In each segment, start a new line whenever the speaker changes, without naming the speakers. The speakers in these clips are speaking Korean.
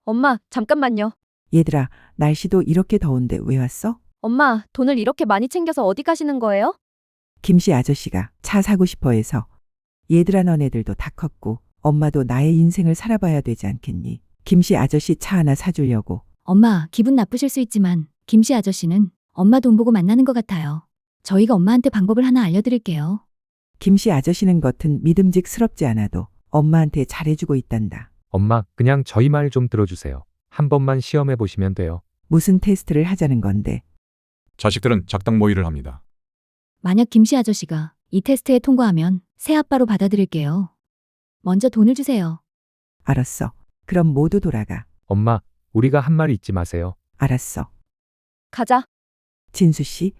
엄마, 잠깐만요.
얘들아, 날씨도 이렇게 더운데 왜 왔어?
엄마, 돈을 이렇게 많이 챙겨서 어디 가시는 거예요?
김씨 아저씨가 차 사고 싶어 해서. 얘들아, 너네들도 다 컸고 엄마도 나의 인생을 살아봐야 되지 않겠니? 김씨 아저씨 차 하나 사주려고.
엄마, 기분 나쁘실 수 있지만 김씨 아저씨는 엄마 돈 보고 만나는 것 같아요. 저희가 엄마한테 방법을 하나 알려드릴게요.
김씨 아저씨는 겉은 믿음직스럽지 않아도 엄마한테 잘해주고 있단다.
엄마, 그냥 저희 말 좀 들어주세요. 한 번만 시험해 보시면 돼요.
무슨 테스트를 하자는 건데.
자식들은 작당 모의를 합니다.
만약 김씨 아저씨가 이 테스트에 통과하면 새 아빠로 받아들일게요. 먼저 돈을 주세요.
알았어. 그럼 모두 돌아가.
엄마, 우리가 한 말 잊지 마세요.
알았어.
가자.
진수씨,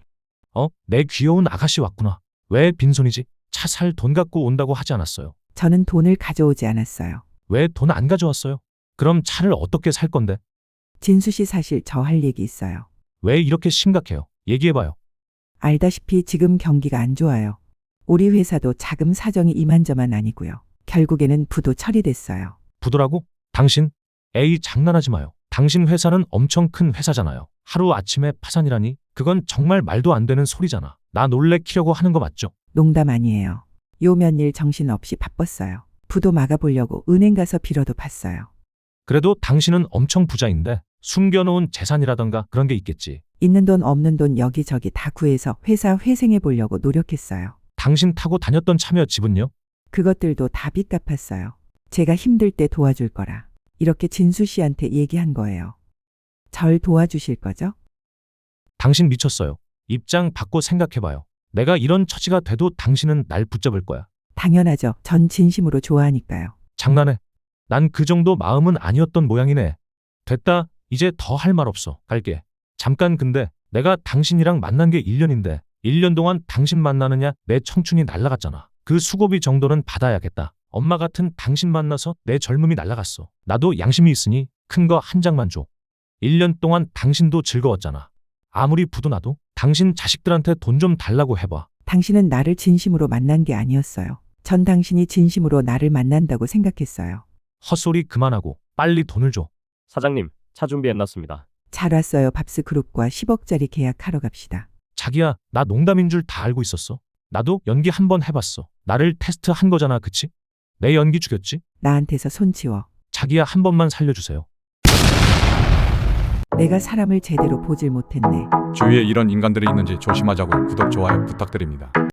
내 귀여운 아가씨 왔구나. 왜 빈손이지? 차 살 돈 갖고 온다고 하지 않았어요.
저는 돈을 가져오지 않았어요.
왜 돈 안 가져왔어요? 그럼 차를 어떻게 살 건데?
진수씨, 사실 저 할 얘기 있어요.
왜 이렇게 심각해요? 얘기해봐요.
알다시피 지금 경기가 안 좋아요. 우리 회사도 자금 사정이 이만저만 아니고요. 결국에는 부도 처리됐어요.
부도라고? 당신? 에이, 장난하지 마요. 당신 회사는 엄청 큰 회사잖아요. 하루아침에 파산이라니? 그건 정말 말도 안 되는 소리잖아. 나 놀래키려고 하는 거 맞죠?
농담 아니에요. 요 몇일 정신없이 바빴어요. 부도 막아보려고 은행 가서 빌어도 봤어요.
그래도 당신은 엄청 부자인데 숨겨놓은 재산이라던가 그런 게 있겠지.
있는 돈 없는 돈 여기저기 다 구해서 회사 회생해 보려고 노력했어요.
당신 타고 다녔던 차며 집은요?
그것들도 다 빚 갚았어요. 제가 힘들 때 도와줄 거라. 이렇게 진수 씨한테 얘기한 거예요. 절 도와주실 거죠?
당신 미쳤어요. 입장 바꿔 생각해봐요. 내가 이런 처지가 돼도 당신은 날 붙잡을 거야.
당연하죠. 전 진심으로 좋아하니까요.
장난해. 난 그 정도 마음은 아니었던 모양이네. 됐다. 이제 더 할 말 없어. 갈게. 잠깐, 근데 내가 당신이랑 만난 게 1년인데 1년 동안 당신 만나느냐 내 청춘이 날라갔잖아. 그 수고비 정도는 받아야겠다. 엄마 같은 당신 만나서 내 젊음이 날라갔어. 나도 양심이 있으니 큰 거 한 장만 줘. 1년 동안 당신도 즐거웠잖아. 아무리 부도 나도 당신 자식들한테 돈 좀 달라고 해봐.
당신은 나를 진심으로 만난 게 아니었어요. 전 당신이 진심으로 나를 만난다고 생각했어요.
헛소리 그만하고 빨리 돈을 줘.
사장님, 차 준비해놨습니다.
잘 왔어요. 밥스 그룹과 10억짜리 계약하러 갑시다.
자기야, 나 농담인 줄 다 알고 있었어. 나도 연기 한 번 해봤어. 나를 테스트 한 거잖아, 그치? 내 연기 죽였지?
나한테서 손 치워.
자기야, 한 번만 살려주세요.
내가 사람을 제대로 보질 못했네.
주위에 이런 인간들이 있는지 조심하자고 구독, 좋아요 부탁드립니다.